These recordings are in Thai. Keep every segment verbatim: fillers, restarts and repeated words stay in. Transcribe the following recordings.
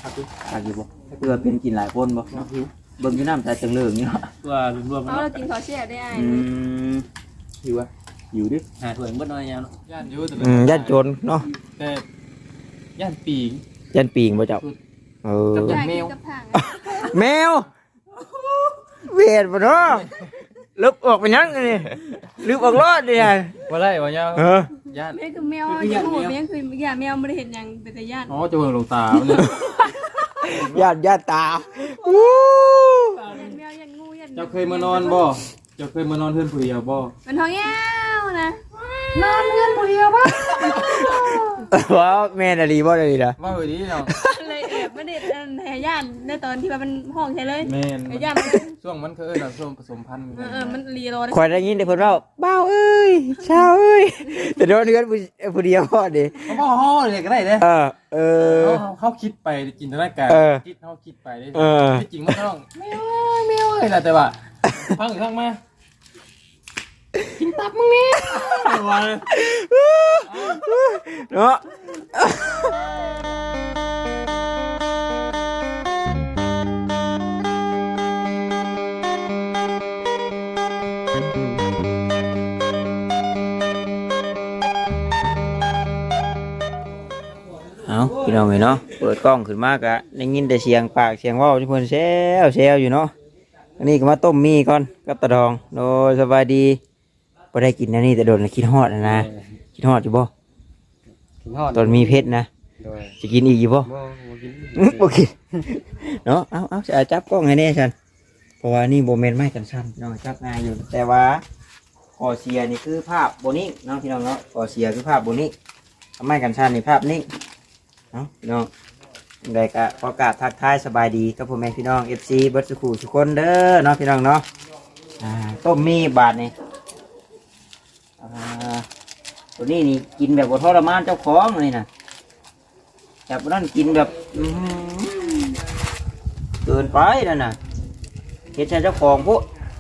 อาอยู่บ่เพื่อเป็นกินหลายคนบ่เบิ่งอยู่น้ำใจจังเลิงนี่เนาะตัวรวมๆเอาเรากินข้าวเสียได้ไอ้อืมอยู่อ่ะอยู่ดิหาถ้วยเบิดน้อยยาวเนาะย่านอยู่แต่อืมย่านโจรเนาะแต่ย่านปีงย่านปีงบ่เจ้าเออได้กินกับผังแมวเวทบ่เนาะลึบออกไปยังนี่ลึบออกรอดดิฮะว่าไรวะเนี่ยเออย่านแม่คือแมวจะหูแม่คืออย่าแมวไม่ได้เห็นอย่างเป็นแต่ญาติอ๋อจะเบิ่งลงตาเนี่ยย่านย่านตาอู้ยันแมวยันงูยันเจ้าเคยมานอนบ่เจ้าเคยมานอนเพื่อนผู้เดียวบ่มันท้องแย้วนะนอนเงินผู้เดียวบ้าว้าวแม่นอะไรบ่ได้ล่ะว่าไปดีเนาะเลยแอบไม่ได้แห่ญาติในตอนที่ว่ามันห้องใช่เลยแม่นไอ้ญาติมันช่วงมันเคยเราช่วงผสมพันธุ์เออเออมันรีโรข่อยได้ยินแต่เพิ่นเว้าบ้าวเอ้ยชาวเอ้ยแต่โดนเดือนผู้ผู้เดียวพอดิเขาบอกห่อเลยก็ได้เด้เออเออเขาเขาคิดไปจินตนาการเออคิดเขาคิดไปได้เออที่จริงมันต้องแมวแมวเลยแหละแต่ว่าพังอีกครั้งมากินตับมึงนี่ว่าเนาะเอาพี่น้องเอ้ยเนาะเปิดกล้องขึ้นมากะได้ยินแต่เสียงปากเสียงเว้าที่เพิ่นแซวแซวอยู่เนาะอันนี้ก็มาต้มมีก่อนกับตะดองโดยสบายดีบ่ได้กินอันนี้แต่โดนแล้วคิดฮอดนะนะคิดฮอดอยู่บ่กินฮอดตอนมีเพชรนะโดยจะกินอีกอยู่บ่บ่บ่กินอื้อบ่กินเนาะเอาเอาจะจับกล้องให้แน่ฉันเพราะว่านี่บ่แม่นไม้กันสั้นน้องจับง่ายอยู่แต่ว่าข้อเสียนี่คือภาพบ่นิ่งเนาะพี่น้องเนาะข้อเสียคือภาพบ่นิ่งไม้กันสั้นนี่ภาพนิ่งเนาะพี่น้องได้ก็ขอกราบทักทายสบายดีกับพ่อแม่พี่น้อง เอฟ ซี เบิดสุขุทุกคนเด้อเนาะพี่น้องเนาะอ่าต้มมีบาทนี่อ่าตัวนี้นี่กินแบบบ่ทรมานเจ้าของเลยนะจับนั่นกินแบบอื้อหือเกินไปนั่นน่ะเฮ็ดให้เจ้าของพวก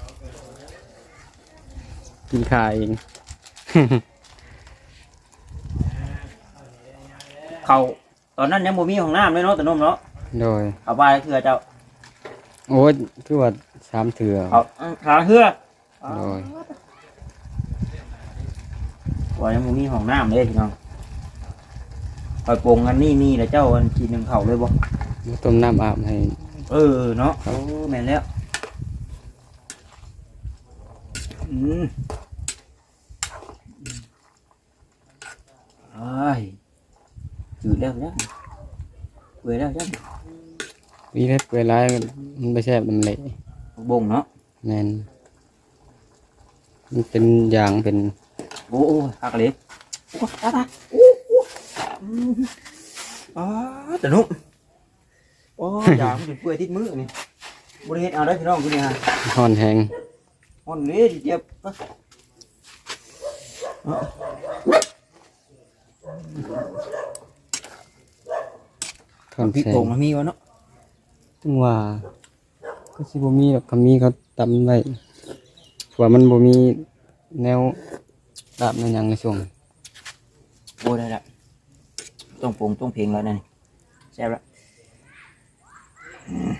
กินขาเองเขาตอนนั้นยังบ่มีห้องน้ำเลยเนาะแต่นมเนาะโดยเอาไปเถื่อเจ้าโอ้ยคือว่าสามเถื่อเอาอื้อขาเหือโดยว่ายังบ่มีห้องน้ำเลยพี่น้องคอยโปรงอันนี้มีแล้วเจ้าอันกินหนึ่งเข่าเลยบ่ต้มน้ำอาบให้เออเนาะโอ้แม่นแล้วอืมไอ้ายจืดแล้วเนี่ยเบื่อแล้วจ้ะวีเล็ดเวลามันไม่แซ่บมันเละบ่งเนาะแม่นมันเป็นอย่างเป็นโอ้โอ้หักเลยโอ้ตาตาโอ้โอ้อืมอ๋อแต่นุ่มโอ้ยางมันจะเปื่อยติดมือนี่บริเวณเอาได้พี่น้องกูเนี่ยฮะห่อนแหงมันเลยเจ็บปะเนาะห่อนพริกแสโป่งงมันมีวะเนาะถึงว่าก็สิบ่มีหรอกคำมีเขาตำไว้เพราะว่ามันบ่มีแนวดาบในหยังในช่วงโอ้ได้ละต้องโป่งต้องเพลงแล้วนั่นนี่แซ่บละอืม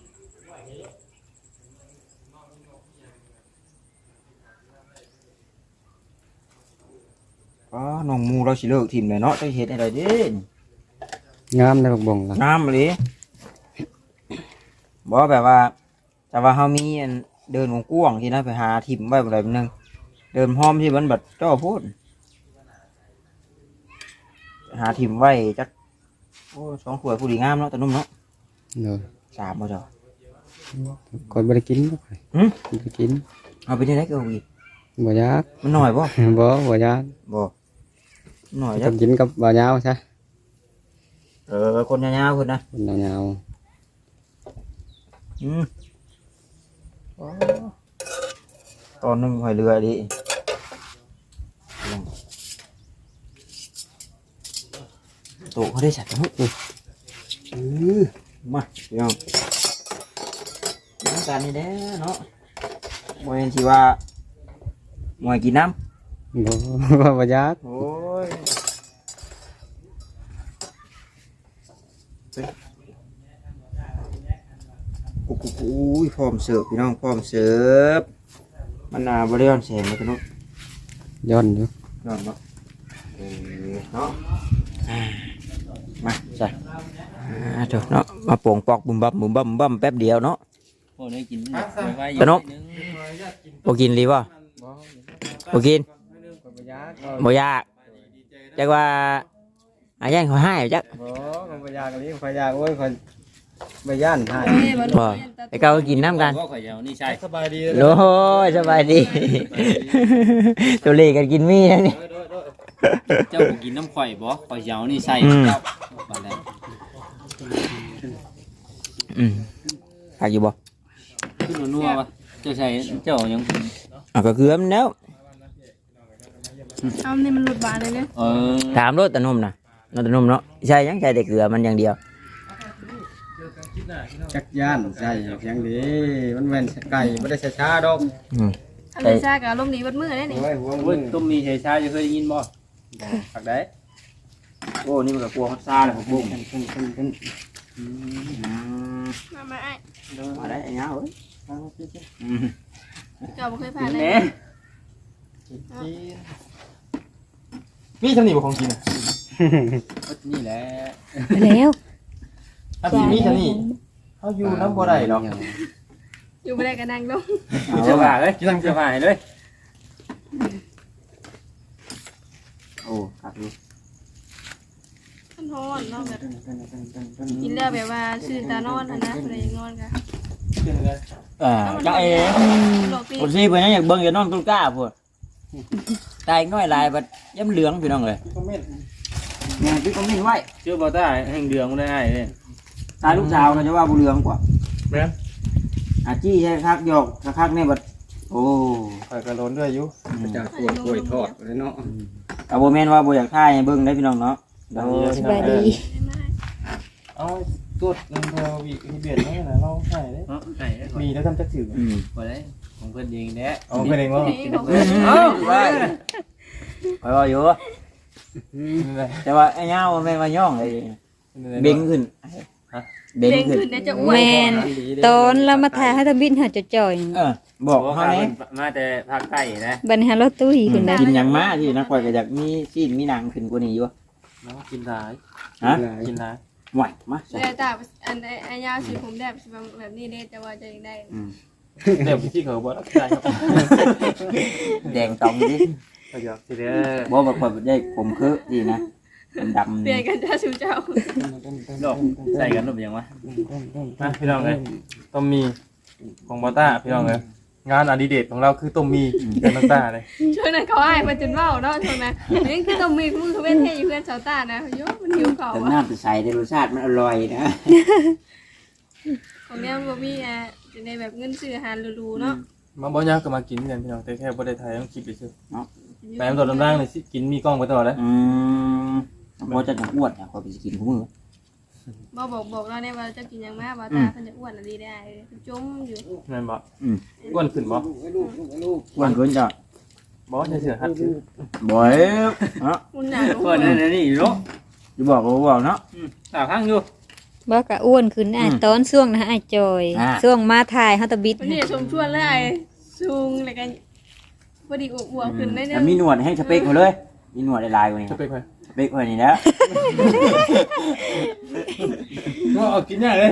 อ๋อน้องมูเราสิเลิกทีมเลยเนาะจะเฮ็ดอะไรเด้นงามในบักบ่งล่ะน้ำเลยบอกแบบว่า แต่ว่าเขามีอันเดินของกว้างที่นะไปหาทิมไว้อะไรแบบนึงเดินพร้อมที่มันแบบเจ้าพูดหาทิมไว้จักโอ้สองขวดผู้ดีงามเนาะแต่นุ่มเนาะเด้อสามบ่เจ้าก่อนบ่ได้กินบ่ค่อยหึบ่ได้กินเอาไปที่ไหนก็เอาอีกบ่อยากมันหน่อยบ่บ่บ่อยากบ่หน่อยต้จัอก งกินกับบ่ยาวซะเออคนยาวๆคนนะคนยาวอืมอ๋อตอนหนึงหอยเรือดิโตเขาได้สัตว์นุ๊กอือมาพี่น้องน้ำตาลนี่แน่เนาะมวยที่ว่ามวยกินน้ๆบ่บ่บ่อยากำโอ้ยปุ๊บปุ๊บอุ้ยพร้อมเสิร์ฟพี่น้องพร้อมเสิร์ฟมันน่าบริยอนแสงเลยพี่น้องย้อนอยู่นอนเนาะเออเนาะอ่ามาใช่อ่าเถอะเนาะมาโป่งปอกบุ้มบั่มบุ้มบั่มบั่มแป๊บเดียวเนาะโอ้ได้กินไว้ตะนกโอกินรีบ่โอกินบ่ยากจักว่าอาย่างเขาให้จักบ่ก็บ่อยากเลยข่อยอยากโอ้ยข่อยบ่ย่านให้เอ้ยบ่บ่ไอ้เก้าก็กินน้ำกันก็ข่อยเอานี่ใช่สบายดีโอ้ยสบายดี ตัวเล็กกันกินมีนะนี่เจ้าบ่กินน้ำข่อยบ่ข่อยเอานี่ใส่เจ้าบัดแล้วอืมหากอยู่บ่คือนัวๆวะเจ้าใส่เจ้ายังอ่ะก็คือมันแล้วเอานี่มันหลุดบานเลยเนี่ยเออถามรถตะนุ่มนะรถตะนุ่มเนาะใช่ยังใช่แต่เกลือมันอย่างเดียวจักย่านใช่เพียงดีมันแม่นไก่บ่ได้ช้าๆดอกอืมอันนี้ซากับลมณ์ดีเบัดมือได้นี่โอ้ยหัวโอ้ยต้มมีเฮชาจะเคยได้ยินบ่ผักได้โอ้นี่มันก็กลัวมันซาเลยผมบุ้งมามาไอ้มาได้ไอ้เงาเอ้ยเจ้าบ่เคยผ่านเลยแหน่มีทำนี่บ่ของกินอ่ะนี่แหละแล้วอันที่มีทำนี่เขาอยู่น้ำบ่ได้หรอกอยู่บ่ได้ก็นั่งลงเจ้าบ่าเลยเจ้าบ่าเลยโอ้ครับนี่มันฮ้อนเนาะแบบกินแล้วแบบว่าชื่อตานอนหั่นนะบ่ได้อยากนอนกะอ่าจ้าเอ๋ดอกปีคนซีเพิ่นยังอยากเบิ่งอย่านอนตุ้งกล้าพุ่นตายน้อยลายบัดย้ำเหลืองพี่น้องเลยแม่นพี่คอมเมนต์ไว้เจ้าบ่ตาแห่งเดืองได้เด้ตายลูกสาวก็จะว่าบ่เหลืองกว่าแม่นอาจี้ใช่คักหยอกคักๆนี่บัดโอ้ข่อยก็ล้นด้วยอยู่จะกล้วยกล้วยทอดเลยเนาะก็บ่แม่นว่าบ่อยากถ่ายให้เบิ่งได้พี่น้องเนาะโดยสบายดีเอาตรวจเงินเทอวีที่เบียดนั่นน่ะเราใส่เด้เนาะไก่ได้มีแล้วทำจักถืออืมบ่ได้ของเพิ่นเองแหละเอาไปเองว่านี่ของเอ้าไปไปว่าอยู่นี่แหละแต่ว่าไอ้เงามันแม่นว่าย่องไอ้เบ่งขึ้นเบ่งเบ่งขึ้นขึ้นได้จะอ้วนแมนตอนเรามาถ่ายให้ทบินหาจะจ่อยเออบอกเฮาแหน่มาแต่ภาคใต้นะบัดนหารถตู้หีขึ้นได้กินหยังมาที่นักข่อยก็อยากมีซีนมีหนังขึ้นกว่านี้อยู่เนาะกินหลายฮะกินหลายไหวมาแต่ตาอันไอ้ไอ้ยาวสิผมแบบสิแบบนี้เด้แต่ว่าจะยังได้อืมเดี๋ยวพี่เขาบอกได้ครับแดงตองดิประโยชน์สิเด้อบ่แบบข่อยได้ผมคือดีนะดำเปลี่ยนกันจ้าชูเจ้าดอกใส่กันหรือยังวะมาพี่น้องเลยต้มมีของบอต้าพี่น้องเลยงานอดิเรกของเราคือต้มมีกับน้ำตาเลยช่วงนั้นเขาให้มาจนเว้าเนาะช่วงนั้นนี่คือต้องมีมือเขาเว้นให้อยู่เพื่อนชาวต้านะโยมันหิวเขาแต่อ่ะน้ำจะใส่ได้รสชาติมันอร่อยนะของเนี้ยมันบ่มีอ่ะจะในแบบเงินซื้ออาหารหรูๆเนาะมาบ่ยากก็มากินกันพี่น้องแต่แค่บ่ได้ถ่ายต้องคลิปไปซื้อไปน้ำตัวน้ำร่างเลยสิกินมีกล้องไปตลอดเลยอืมบ่จะจะอ้วนอ่ะข่อยไปสิกินของมือบ่บอกบอกเราเนี่ยว่าจะกินหยังมาบ่ตาเพิ่นจะอ้วนอะไรได้จมอยู่นั่นบ่อืมอ้วนขึ้นบ่อ้วนขึ้นจ้ะบ่ใช่เสือหัดขึ้นบ่อยเนาะมุนหนาลงเพิ่นนี่นี่เนาะจะบอกก็บอกเนาะตาข้างอยู่บ่กะอ้วนขึ้นอ่ะตอนช่วงนะไอ้จอยอ่าช่วงมาถ่ายเฮาตะบิดวันนี้ชมชวนเลยซุงแล้วก็พอดีอ้วนขึ้นได้เนี่แต่ยมีหนวดให้สเปคเขาเลย มีหนวดลายๆกว่านี้จะไปใครสเปคเขานี่แล้วก็เอากินยากเลย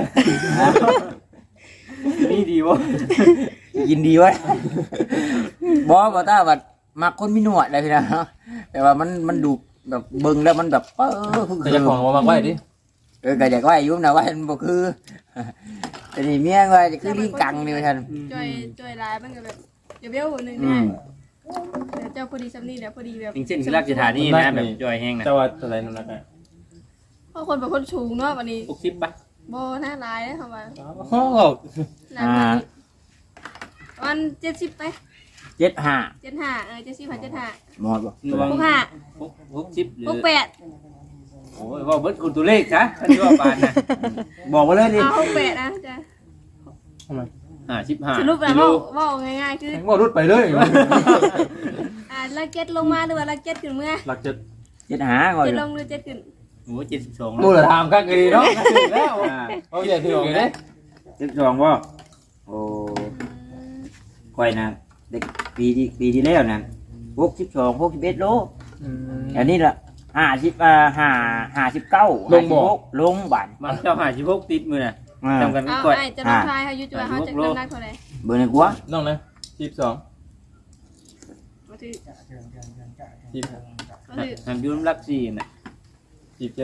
นี่ดีบ่ยินดีไว้บอบอต้าบัดมักคนมีหนวดอะไรพี่นะเนาะแต่ว่ามันมันดูแบบเบิ่งแล้วมันแบบเออคือแต่จะของมาไว้ดิเออก็อยากว่าอยู่นะว่ามันบ่คือแต่นี่เมียว่าจะคือลิงกังนี่ว่าท่านจอยจอยลายมันก็แบบเดี๋ยวเบี้ยวหนึ่งอืเนี่ยมเดี๋ยวเจ้าพอดีซ้ำนี่เดี๋ยวพอดีแบบจริงๆคือรักสถานีนะแบบจอยแห้งนะแต่ว่าตัวไหนนั่นนะเพราะคนเป็นคนสูงเนาะวันนี้หกสิบป่ะโบหน้าลายนะคำว่าอ๋อหน้าลายวันเจ็ดสิบไปเจ็ดห้าเจ็ดห้าเออเจ็ดสิบผ่านเจ็ดห้าหมดบ่ระวังหกห้าหกสิบหรือหกแปดโอ้ยว่าเบิดคุณตัวเลขนะท่านว่าปานนะบอกมาเลยดิเอาหกแปดนะจ้ะทำไมห้าสิบห้าสรุปแล้วกิโลว่าว่าง่ายๆคือแข่งว่ารุดไปเลยอ่าลักเก็ตลงมาหรือว่าลักเก็ตขึ้นเมื่อหลักจะเจ็ดห้าก่อนเจ็ดลงหรือเจ็ดขึ้นโอ้เจ็ดสิบสองรู้เหรอทำกันดีเนาะแล้วโอเคถือเลยเจ็ดสองบ่โอ้ค่อยนะเด็กปีที่ปีที่แล้วนะหกสิบสองหกสิบเอ็ดโลอืมอันนี้ละห้าสิบอ่าห้าห้าสิบเก้าลงบ่ลงบันมาเจ้าหาสิบหกติดมือน่ะอ่าจำกันเอาก่อนไอ้จะน้องชายเขาอยู่จังหวัดเขาจะน้ำหนักเท่าไหร่เบอร์หนึ่งกัวน้องนะสิบสองมาถือสิบมาถือทำอยูน้ำรักสี่น่ะสิบเจ็ด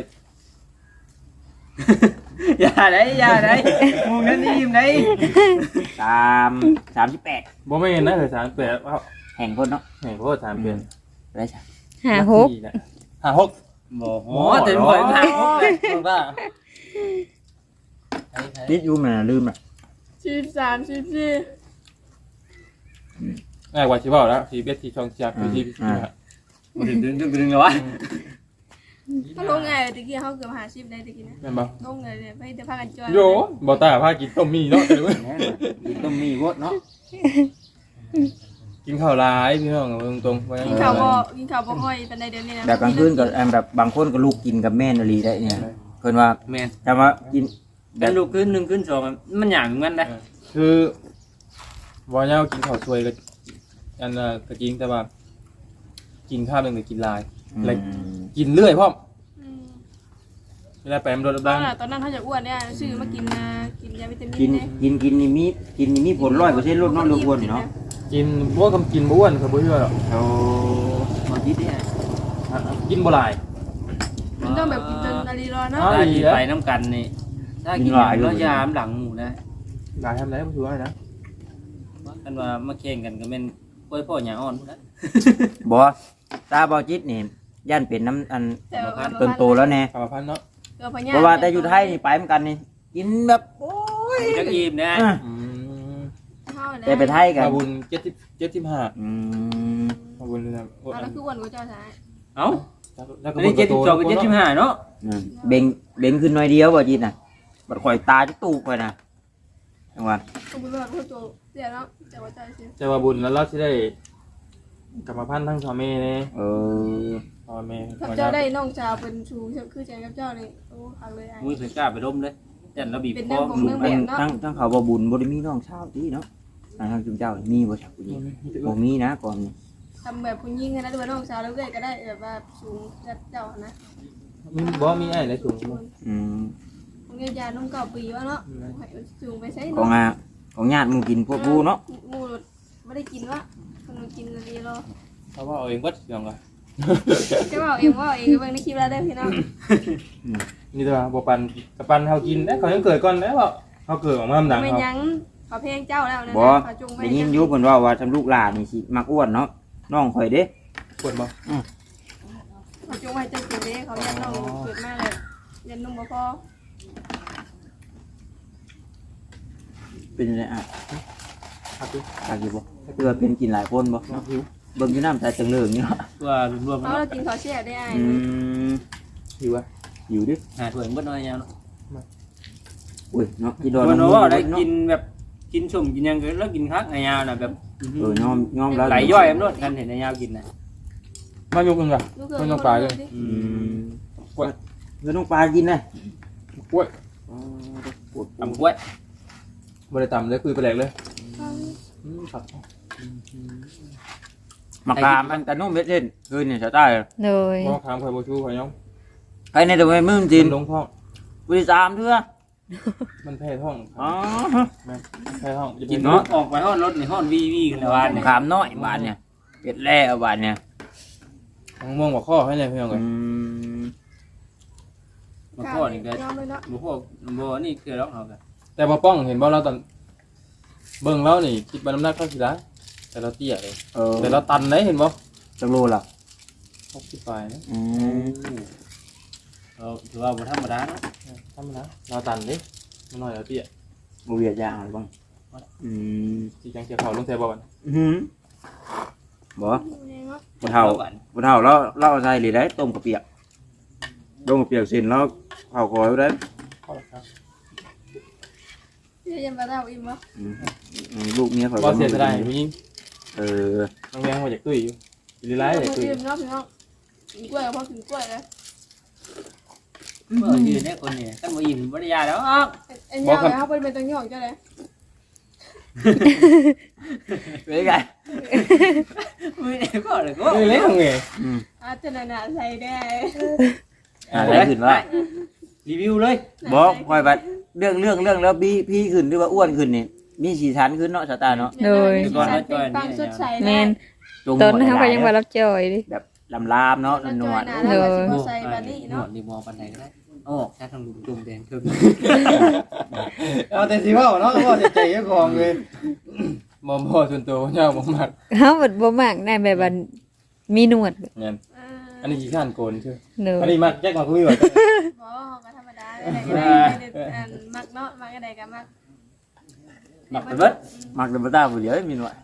อย่าได้อย่าได้มึงนั่นนี่ยิ้มได้สามสามสิบแปดบ่ไม่เห็นนะเลยสามแปดเอ้าแห่งคนเนาะแห่งโคตรสามเป็นได้ใช่หาหกห้าหกบอกหมอเต็มหัวหาหกเลยถูกป่ะนิดยูมันนะลืมอ่ะสิบสามสิบสี่ง่ายกว่าชิบะแล้วชีเบสที่ช่องเชียร์คือชีชีมาถึงดึงดึงดึงเลยวะเขาลงไงตะกี้เขาเกือบหาสิบได้ตะกี้นะแม่นบ่ลงเลยเนี่ยไปเดี๋ยวพากันจอยโยบ่ตาพากินต้มมีเนาะเดี๋ยวกินต้มมีวดเนาะกินข้าวหลายพี่น้องเอาตรงๆว่ากินข้าวบ่กินข้าวบ่ค่อยปานใดเดี๋ยวนี้นะแบบกลางคืนก็อันแบบบางคนก็ลูกกินกับแม่นอลีได้เนี่ยเพิ่นว่าแม่นจะมากินแบแต่บลูกขึ้นหนึ่งขึ้นสองมันอย่างงั้นนะคือบ่ยาวกินข้าวสวยก็อันน่ะตะกี้แต่ว่า กินข้าวนึงแต่กินหลาย อะไร กินเรื่อยพร้อมอืมเวลาไปมันโดนตอดันงนั้นตอนนั้นเขาจะอ้วนเนี่ยซื้อมากินนะกินยาวิตามิกินนเนี่ยกินกินนี่มีกินนี่มีผลร้อยเปอร์เซ็นต์ลดน้อยลดอ้วนนี่เนาะกินบ่ว่าคำกินบ่อ้วนก็บ่เชื่อหรอกเอามาคิดเนี่ยกินบ่หลายมันต้องแบบกินจนนาฬิรอเนาะอ๋อถ้ากินไปน้ำกันนี่ถ้ากินแล้วยามหลังหมูนะหลายทำไรบ่ถือว่านะว่ากันว่ามาแข่งกันก็เป็นกล้วยพ่อหยาอ่อนพุ่นนะบ่ตาบอจิตนี่ย่านเป็นน้ำอันแต่ว่าต้นโตแล้วแน่กรรมพันธุ์เนาะเกือบพญเพราะว่าแต่อยู่ไทยนี่ไปเหมือนกันนี่กินแบบโอ้ยจักอิ่มนะอ่ะอืมแต่ไปไทยกันมาบุญเจ็ดสิบเจ็ดสิบห้าอืมมาบุญนะเอาแล้วคืออ้วนกว่าเจ้าชายเอ้าแล้วก็อันนี้เจ็ดสิบสองกับเจ็ดสิบห้าเนาะอืมเบ่งเบ่งขึ้นหน่อยเดียวบ่จิตน่ะบัดข่อยตาจะตูกไปนะจังหวะต้องเป็นแบบผู้โจเสียแล้วแต่ว่าเจ้าเสียจะมาบุญแล้วเราจะได้กรรมพันธุ์ทั้งสองแม่เลยเออพ่อแม่ถ้าเจ้าได้น้องชาวเป็นชูคือใจกับเจ้านี่โอ้หักเลยไอ้มือถือกล้าไปล้มเลยแต่เราบีบเป็นคเรื่อองของลูกอันทั้งทั้งเขาบ่บุญบ่ได้มีน้องชาวที่เนาะอันทางจุมเจ้ามีบ่ชักผู้หญิงบ่มีนะก่อนนี่ทำแบบผู้หญิงนะด้วยน้องชาวแล้วก็ได้แบบว่าสูงจัดเจ้านะมีบ่มีไอ้ไหนสูงอืมเงี้ยยานุ่มเก่าปีวะเนาะสูงไปใช้ของอ่ะของญาติหมู่กินพวกผู้เนาะมูไม่ได้กินวะคนกินดีรอเพราะว่าเอาเองวัดอย่างไรจะบอกเองว่าเองก็เบิ่งในคลิปแล้วได้พี่น้องนี่ตัวบ่ปันกับปันเฮากินได้เขายังเกิดก่อนแล้วเขาเกิดออกมาลำดังไม่เขายั้งเขาเพลงเจ้าแล้วนะบ่เขาจุงไปได้ยินอยู่เพิ่นว่าว่าทำลูกหลานนี่สิมักอ้วนเนาะน้องข่อยเด้ปวดบ่เขาจุงไปเจ้ากินเด้เขายันน้องเกิดมาเลยยันนุ่มบ่พอเป็นจังไดอ่ะครับพี่ตากี่บ่เพื่อเป็นกินหลายคนบ่น้องหิวเบิ่งอยู่น้ำใจจังเลิงนี่เนาะตัวรวมๆเขาเนาะเรากินเขาเสียได้ไอ้อืมหิวอ่ะอยู่ดิหาถ้วยเบิดน้อยยาวเนาะอุ้ยเนาะกินโดนมันน้ำว่าได้เนาะกินแบบกินสุ่มกินยังก็แล้วกินคักไอ้ยาวน่ะแบบเออยอมยอมแล้วไหลย่อยมันรดกันเห็นไอ้ยาวกินน่ะมายกนึงอ่ะลูกเกิดไม่ต้องปลาเลยอืมกล้วยเดี๋ยวน้องปลากินนะกล้วยอ๋อปวดตำกล้วยบ่ได้ต่ำเลยคุยไปแหลกเลยอืมครับมะขามอันกระนุ่มเม็ดเล่นคืนนี่จะได้โดยบ่ถามข่อยบ่ชูข่อยยองใครในตัวมึงจินมันลงท้องบริสามเถื่อมันแพ้ท้องอ๋อแม่แพ้ท้องกินเนาะออกไปห้อนรถนี่ห้อนวีวีกันแล้ววันมะนี่ขามน้อยบานเนี่ยเป็ดแล่บานเนี่ยทางม่วงบ่ข้อให้เลยพี่น้องอืเอ้ยมมาพ่อนี่ก็ยอมเลยเนาะบ่พวกบ่นี่คือร้องเอากันแต่บ่ป้องเห็นบ่เราตอนเบิ่งเรานี่คิดว่าน้ำหนักเท่าสิได้แต่เราเตี้ยเลยเออแต่เราตันได้เห็นบ่จังโลล่ะหกสิบปลายนะอืมเราถือว่าบ่ธรรมดาเนาะทำนะเราตันดิมันน้อยเราเตี้ยบเวียดยางอะไรบ้างอืมที่จังเกี่ยวเขาลงแทบ่กันอื้อหือบ่เนาะบ่เท่าบ่เท่าแล้วเราเอาใส่หรือได้ต้มกระเปียกต้มกระเปียกสินแล้วเผาคอยไว้ได้ข้อละครับพี่ยังมาได้อิ่มวะอืมอืมลูกเมียข่อยบ่เสียได้ผู้หญิงเออน้องแวงมาจากตุ้ยอยู่ดีไลท์จากตุ้ยอิ่มเนาะพี่น้องกินกล้วยพอกินกล้วยแล้วเมื่อยืนเนี่ยคนนี่กันบ่อิ่มบ่ได้ยาแล้วเอ็นยาวเลยเขาเป็นเป็นตังหยองเจ้าเลยเป็นไงไม่ได้ก็เลยก็เอ้ยเล่นไงอาจจะน่ะใส่ได้อะไรขึ้นว่ารีวิวเลยบอกคอยบัดเรื่องเรื่องเรื่องแล้วพี่พี่ขึ้นหรือว่าอ้วนขึ้นนี่มีสีสันขึ้นเนาะสตาร์เนาะโดยฟังสดใสแม่นจงตอนหัวนั้นเขาก็หลยังว่ารับจอยดิแบบลำลามเนาะนวลๆแล้วก็ใส่แบบนี้หนวเนาะดนี่มองปันไหนก็ได้โอ้แค่ทางลุงจุ่มแดงเพิ่มเอาแต่สิเว้าเนาะว่าใจเจ้าของเลยบ่บ่ส่วนตัวเจ้าบ่มักเฮาแบบบ่มักได้แบบว่ามีหนวดเนี่ยอันนี้ขี้ข้านโกนใช่เด้ออันนี้มักแจ็คมาคุยว่าบ่ก็ธรรมดาได้มักเนาะมักอะไรกันมักๆมักเป็นเบิดมักเป็นบ้าผู้เดียวมีหนวด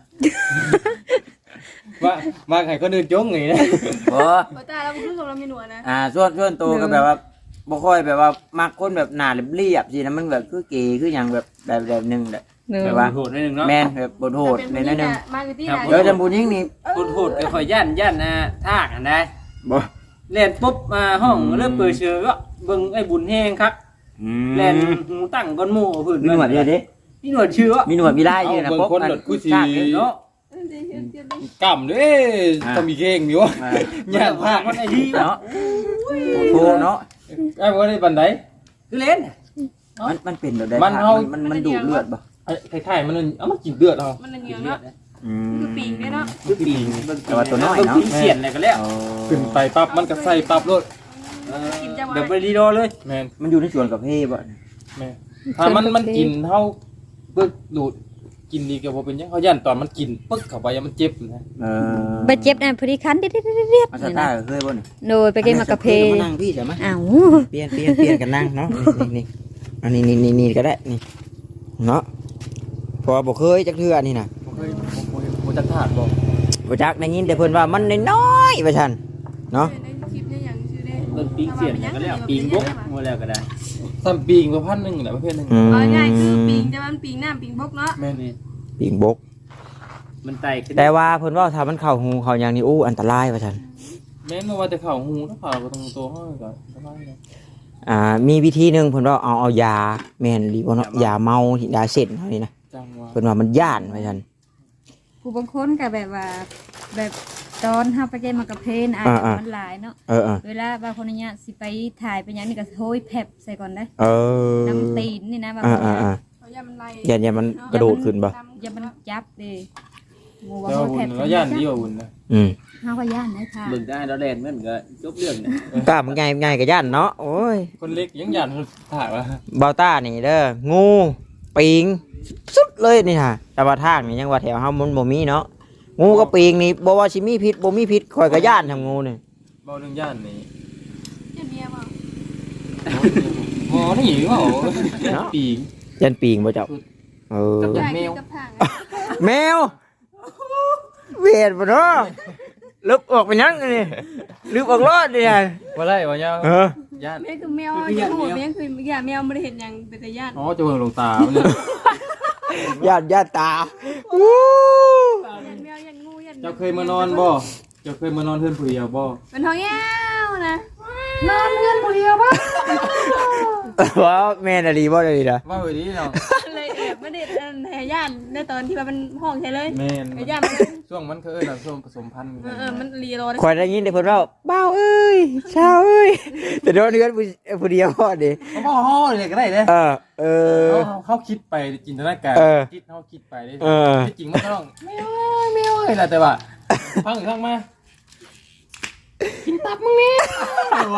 ว่ามักให้คนอื่นจงไงนะบ่บ่ตาเราคือกับเรามีหนวดนะอ่าส่วนส่วนตัวก็แบบว่าบ่ค่อยแบบว่ามักคนแบบหน้าเรียบๆสินะมันแบบคือเก๋คือหยังแบบแบบแบบนึงแหละเด้อแบบว่าโหดนิดนึงเนาะแม่นแบบบ่โหดในนั้นนึงมาคือที่เดี๋ยวจำบุญยิ่งนี่โหดโหดก็คอยย่านย่านนะทากอันใดบ่เล่นปุ๊บมาห้องเริ่มเปิดเชือก็เบิ่งไอ้บุญแห้งครับอืมเล่นหูตั้งก้อนหมู่พื้นมีหนวดเดียวดิมีหนวดเชื้อมีหนวดมีลายอยู่นะบางคนอัหลดกูสิชาติเด้อเนาะกำเด้ต้องมีเก่งอยู่อ่าย่านภาคมันไอ้ที่เนาะโทเนาะไอ้บ่ได้ปานใดคือเล่นมันมันเป็นแบบใดมันเฮามันมันดูดเลือดบ่ไอ้คล้ายๆมันเอามากินเลือดเอามันเหนียวเนาะอืมคือปีกเนี่ยเนาะคือปีงแต่ว่าตัวน้อยเนาะเสียนอะไรกันแล้วเอาขึ้นไปปั๊บมันก็ใส่ปั๊บโลดกินจะแบบไว้ไปรีโดเลยแม่นมันอยู่ในส่วนกับเพบ่แม่นถ้ามันมันกินเท่าปึ๊กดูดกินดีก็บ่เป็นหยังเขาย่านตอนมันกินปึ๊กเข้าไปมันเจ็บนะเออไปเจ็บนั่นพอดีคันเด็ดๆๆอาๆสนี่ตานะร์เคยบ่นี่โดยไปเกมมากาเพมานั่งพี่ใช่ไหมอ้าวเปลี่ยนเปลี่ยนเปลี่ยนกันนั่งเนาะนี่นี่อันนี้นี่นี่นี่ก็ได้นี่เนาะเพอบ่เคยจักเทื่อนี่น่ะบ่เคยบ่เคยบ่จักถาดบ่บ่จักได้ยินแต่เพิ่นว่ามันน้อยๆว่าซั่นเนาะในคลิปเนี่ยอย่างชื่อได้เบิ่งปีงเสียนก็แล้วปีงบกมัวแล้วก็ได้ซ้ำปีงบ่พันหนึงแหละประเภทหนึงอืมเอาง่ายคือปีงจะมันปีงน้ำปีงบกเนาะแม่นนี่ปิ่งบกมันไต่ขึ้นแต่ว่าเพิ่นว่าถ้ามันเข้าหูเข้าหยังนี่อู้อันตรายว่าซั่นแม่นบ่ว่าแต่เข้าหูถ้าเข้าบ่ตรงตัวเฮาก็สบายเลยอ่ามีวิธีหนึงเพิ่นว่าเอาเอายาแม่นหรือบ่เนาะยาเมาที่ยาเส้นเฮานี่นะจังว่าเพิ่นว่ามันย่านว่าซั่นผู้บางคนก็แบบว่า แบบตอนเฮาไปเกมมากาเพนอาจจะมันหลายเนาะเออเออเวลาบางคนเนี่ยสิไปถ่ายไปหยังนี่ก็โหยแผบใส่ก่อนได้เออน้ำตีนนี่นะบางอ่าคนอ่าอ่าเขาอย่ามันไล่อย่าอย่ามันกระโดดขึ้นบ่อย่ามันจับเด้หมู่ว่าแล้วโหยบุแผญบแล้วย่านดีกว่าบุญนะอืมเฮาก็ย่านนะค่ะเบิ่งได้เราแดนเหมือนก็จบเรื่องเนี่ยกล้ามันง่ายง่ายกับย่านเนาะโอ้ยคนเล็กยังย่านถากว่าเบาต้านี่เด้องูปิงสุดเลยนี่ฮะแต่ว่าทางนี่ยังว่าแถวเฮามันบ่มีเนาะงูกับปิงนี่บ่ว่าสิมีพิษบ่มีพิษข่อยก็ย่านทำงูนี่เบาเรื่องย่านนี่อย่าเมียมาหมอนี่เปล่าปีงยันปิงบ่เจ้าเออจับได้แมวกับทางแมวเวียดบ่เนาะลึกออกไปยังนี่ลึกออกรอดนี่ฮะว่าไรวะเนี่ยเออย่านแม่คือแมวอย่าโหดแม่คืออย่าแมวไม่ได้เห็นอย่างเป็นแต่ย่านอ๋อจะเบิ่งลงตาเนี่ยย่านย่านตาอู้ย่านแมวย่านงูย่านเจ้าเคยมานอนบ่เจ้าเคยมานอนเพื่อนผู้เดียวบ่เป็นท้องแย้วนะนอนเพื่อนคนเดียวป่ะว่าแม่นอะดีบ่ได้ดีนะว่าไปดีเนาะเลยแอบไม่ได้แห่ย่านในตอนที่ว่ามันห้องใช่เลยแม่นไอ้ย่านมันช่วงมันเคยน่ะช่วงผสมพันธุ์เออเออมันรีโรดข่อยได้ยินแต่เพิ่นว่าบ้าวเอ้ยชาวเอ้ยแต่โดนเฮือนผู้ผู้เดียวพอดิเขาบอกห่อเลยก็ได้เด้เออเออเขาเขาคิดไปจินตนาการเออคิดเขาคิดไปได้เออที่จริงมันก็ต้องแมวแมวเลยล่ะแต่ว่าฟังอีกครั้งมากินตับมึงนี่ว่า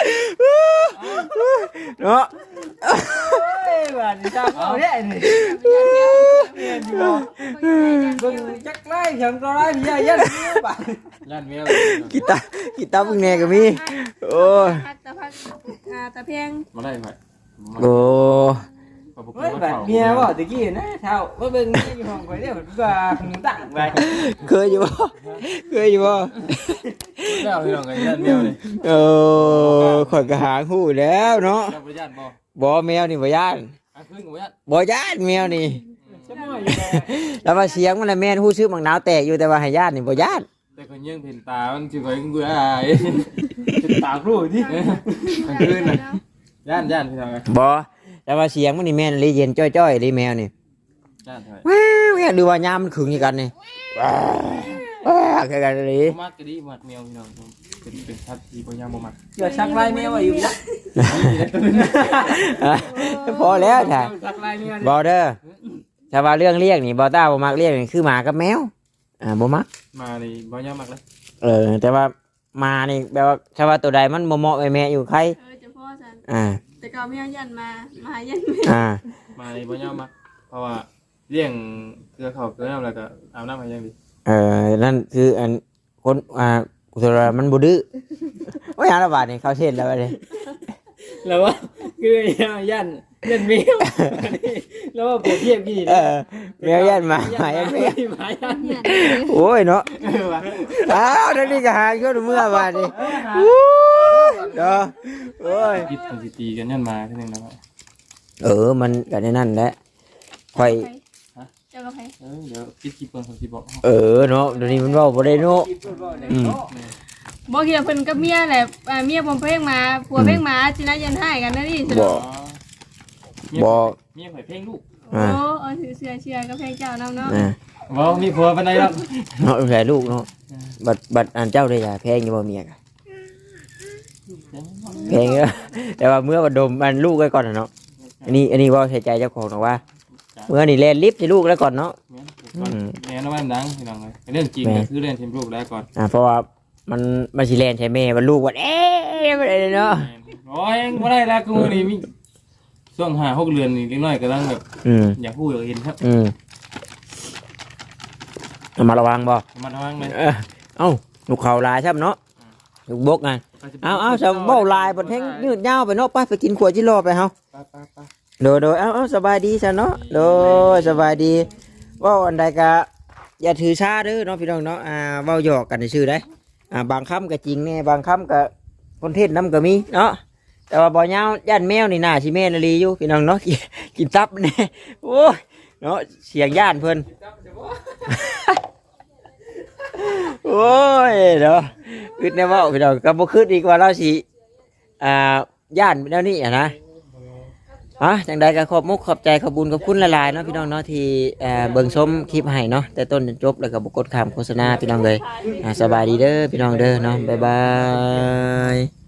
เนาะเอ้ยว่าสิตามเอาเด้นี่เบิ่งจักไล่ฉันก็ไล่พี่ยันบ่ย่านแมวกีตากีตาเพิ่งแน่ก็มีโอ้ยตะพักอ่าตะเพียงมาได้ไหมโอ้เฮ้ยแบบเมียบ่ตะกี้นะเฒ่าบ่เบิ่งเมียอยู่ห้องข่อยเด้อว่าหูตักไปเคยอยู่บ่เคยอยู่บ่แล้วพี่น้องไงย่านแมวเลยเออข่อยก็หาฮู้แล้วเนาะจับไปย่านบ่บ่แมวนี่บ่ย่านอ่ะขึ้นกับย่านบ่ย่านแมวนี่จะมั่วอยู่แล้วแล้วมาเสียงมันละแม่นฮู้ชื่อมังนาวแตกอยู่แต่ว่าให้ย่านนี่บ่ย่านแต่คนยังเห็นตา มันจะคอยกูได้เป็นตาครูที่มันขึ้นน่ะย่านย่านพี่น้องไงบ่แล้วมาเสียงมันนี่แม่นเลยเย็นจ้อยๆเลยแมวนี่ย่านเถอะว้าวแม่ดูว่ายามมันขึงอย่างกันนี่ว้าแค่กันเลยบ่มักก็ดีมักแมวพี่น้องผมเป็นเป็นสัตว์ที่บ่ยามบ่มักอย่าชักไล่แม่ว่าอยู่นะพอแล้วใช่สักลายแมวบอเด้อถ้าว่าเรื่องเรียกนี่บอต้าบ่มักเรียกนี่คือหมากับแมวอ่าบ่มักมานี่บ่ยามมักเลยเออแต่ว่ามานี่แปลว่าถ้าว่าตัวใดมันบ่เหมาะไอ้แม่อยู่ใครเออจะพ่อฉันอ่าแต่ก็ไม่เอายันมามายันแม่อ่ามานี่บ่ยามมักเพราะว่าเลี้ยงเกลือข้าวเกลือน้ำแล้วก็อาบน้ำให้อย่างดีเออนั่นคืออันคนอ่ากุศลมันบ่ดื้อโอ้ยหาละบาทนี่เขาเช่นแล้วเลยแล้วว่าคือยันยันแมวแล้วว่าเปรียบเทียบกี่เออแมวยันหมาหมายันแมวหมายันเนี่ยโอ้ยเนาะอ้าวนั่นนี่ก็หาขึ้นเมื่อบาทนี่เด้อโอ้ยคิดมันสิตีกันยันมาเท่านึงนะครับเออมันก็ในนั่นแหละค่อยเจ้ากับใครเออเดี๋ยวคิดคลิปเพิ่นเขาสิบอกเออเนาะเดี๋ยวนี้มันเว้าบ่ได้เนาะอืมบอกเกี่ยวเพิ่นกับเมียแหละอ่าเมียผมเพ่งมาผัวเพ่งมาจินะยันให้กันนะนี่บ่ บ่เมียข่อยเพลงลูกโอ้เออถือเสื้อเชียร์กับเพลงเจ้าน้ำเนาะอ่าบ่มีผัวปานใดหรอกเนาะแผลลูกเนาะบัดบัดอันเจ้าได้ยาแพงอยู่บ่เมียกะแพงเด้อแต่ว่าเมื่อบัดดมอันลูกไว้ก่อนน่ะเนาะอันนี้อันนี้เว้าใส่ใจเจ้าของเนาะว่าเมื่อนี่แลนลิฟต์ให้ลูกแล้วก่อนเนาะแม่นว่ามันดังพี่น้องเอ้ยเรื่องจริงก็คือเรื่องทีมลูกแล้วก่อนอ่าเพราะว่ามันมันสิแลนใช่แม่มันลูกว่าเอ๊ะบ่ได้เนาะโอ้ยบ่ได้แล้วกูนี่มีช่วงห้าหกเดือนนี่เล็กน้อยกำลังแบบอืมอยากพูดอยากเห็นครับอืมเอามาระวังบ่มาทางเลยเออเอ้าลูกเขาลายใช่ไหมเนาะลูกบกไงเอาเอาจะเบ้าลายบนแท่งยืดยาวไปเนาะไปไปกินขวดจิโร่ไปเฮาไปไปไปโดยโดยเอาเอาสบายดีซะเนาะโดยสบายดีเว่าอันใดก็อย่าถือชาเด้อเนาะพี่น้องเนาะอ่าเว้าหยอกกันซื่อได้อ่าบางคำก็จริงแน่บางคำก็คนเทศน้ำก็มีเนาะแต่ว่าบ่ยาวย่านแมวนี่น่าสิแม่นอีหลีอยู่พี่น้องเนาะ กินกินตับแน่โอ้ยเนาะเสียงย่านเพิ่น โอ้ยเนาะคิดแน่ว่าพี่น้องก็บ่คิดอีกว่าเราสิอ่าย่านแนวนี้อ่ะนะฮะจังใดก็ขอบมุกขอบใจขอบบุญขอบคุณหลายๆเนาะพี่น้องเนาะที่เอ่อเบิ่งชมคลิปให้เนาะแต่ต้นจนจบแล้วก็บ่กดข้ามโฆษณาพี่น้องเลยอ่าสบายดีเด้อพี่น้องเด้อเนาะบ๊ายบาย